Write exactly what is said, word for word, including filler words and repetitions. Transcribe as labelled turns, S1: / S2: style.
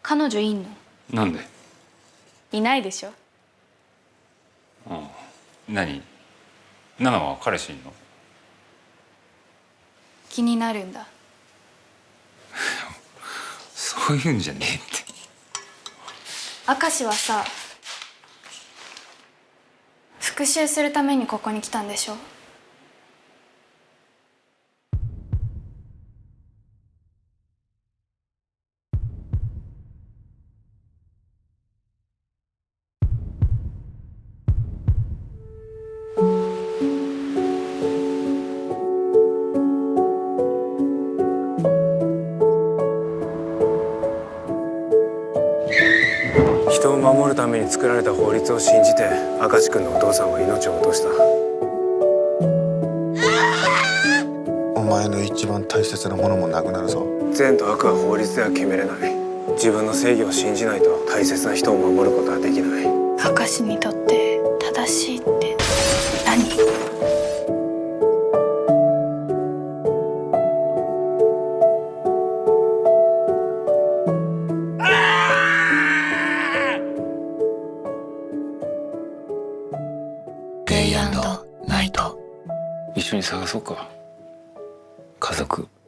S1: 彼女いんの？
S2: なんで？
S1: いないでしょ。
S2: ああ、何？ナナは彼氏いんの？
S1: 気になるんだ。
S2: そういうんじゃねえって。
S1: 明石はさ、復讐するためにここに来たんでしょ。
S3: 人を守るために作られた法律を信じて明石君のお父さんは命を落とした。
S4: お前の一番大切なものもなくなるぞ。
S3: 善と悪は法律では決めれない。自分の正義を信じないと大切な人を守ることはできない。
S1: 明石にとって正しいって何？
S2: デイアンドナイト。一緒に探そうか。家族。